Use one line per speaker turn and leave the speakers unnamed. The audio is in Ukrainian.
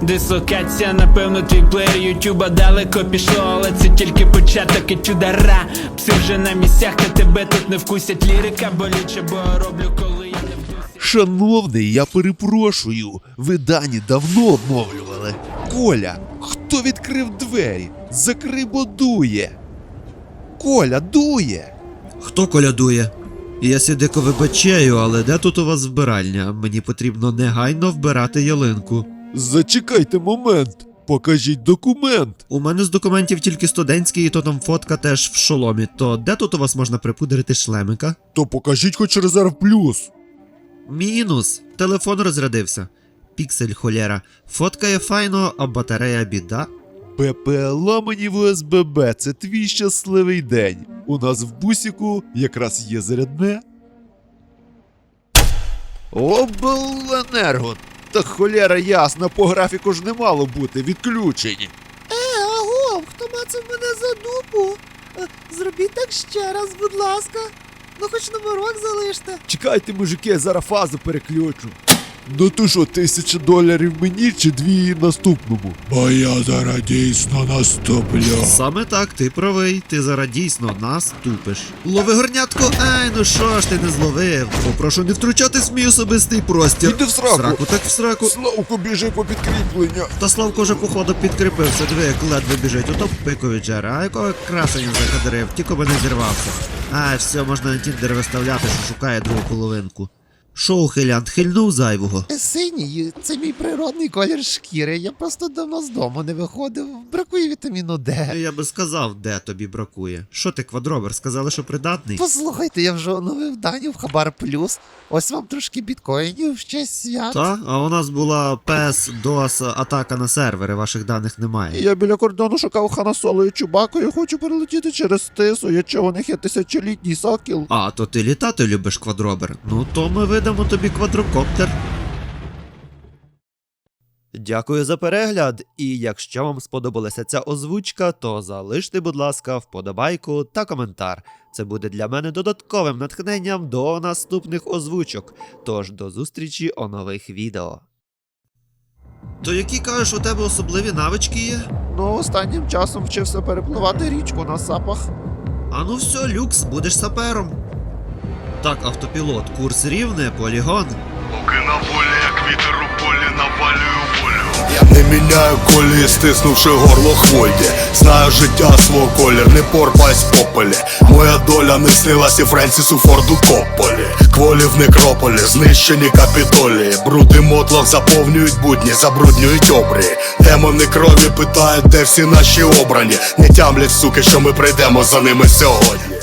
Дислокація, напевно, твій плеєр ютуба далеко пішло, але це тільки початок етюдара. Пси вже на місцях, та тебе тут не вкусять. Лірика болюча, бо роблю, коли я не вкусять.
Шановний, я перепрошую, ви дані давно обновлювали. Коля, хто відкрив двері? Закрий, бо дує. Коля, дує.
Хто колядує? Я сідико вибачаю, але де тут у вас вбиральня? Мені потрібно негайно вбирати ялинку.
Зачекайте момент, покажіть документ.
У мене з документів тільки студентський, і то там фотка теж в шоломі. То де тут у вас можна припудрити шлемика?
То покажіть хоч резерв плюс.
Мінус. Телефон розрядився. Піксель холєра. Фоткає файно, а батарея біда.
ППЛА мені в ОСББ, це твій щасливий день. У нас в бусіку якраз є зарядне. Обленерго! Та холєра ясна, по графіку ж не мало бути, відключені.
Агов, хто мацав мене за дупу? Зробіть так ще раз, будь ласка. Ну хоч номерок залиште.
Чекайте, мужики, зараз фазу переключу. Ну то що, $1000 мені чи 2 наступному? Бо я зараз дійсно наступлю.
Саме так, ти правий, ти зараз дійсно нас тупиш. Лови горнятко, ай, ну що ж ти не зловив? Попрошу не втручатись в мій особистий простір.
Іди в сраку.
Сраку так в сраку.
Славко, біжи по підкріплення.
Та Славко вже походу підкріпився, диви, як ледве біжить, ото пикові джера, а якого красення закадрив, тільки би не зірвався. Ай, все, можна на тіндер виставляти, що шукає другу половинку. Шо, ухилянт, хильнув зайвого?
Синій, це мій природний колір шкіри. Я просто давно з дому не виходив. Бракує вітаміну Д.
Я би сказав, де тобі бракує. Що ти, квадробер, сказали, що придатний?
Послухайте, я вже оновив дані в Хабар Плюс. Ось вам трошки біткоїнів в честь свят.
Та? А у нас була PES, DOS, атака на сервери, ваших даних немає.
Я біля кордону шукав Хана Соло і Чубаку, я хочу перелетіти через Тису, якщо у них є 1000-літній сокіл.
А, то ти літати любиш, квадробер? Ну то ми видамо тобі квадрокоптер.
Дякую за перегляд, і якщо вам сподобалася ця озвучка, то залиште, будь ласка, вподобайку та коментар. Це буде для мене додатковим натхненням до наступних озвучок. Тож до зустрічі у нових відео.
То які, кажеш, у тебе особливі навички є?
Ну, останнім часом вчився перепливати річку на сапах.
А ну все, люкс, будеш сапером. Так, автопілот, курс рівне, полігон.
Поки на волі, як вітер у полі, навалюю волю.
Я не міняю колії, стиснувши горло хвойді. Знаю життя свого колір, не порпаюсь в попелі. Моя доля не снилась і Френсісу Форду Копполі. Кволі в некрополі, знищені капітолії. Бруди мотлох заповнюють будні, забруднюють обрії. Демони крові питають, де всі наші обрані. Не тямлять, суки, що ми прийдемо за ними сьогодні.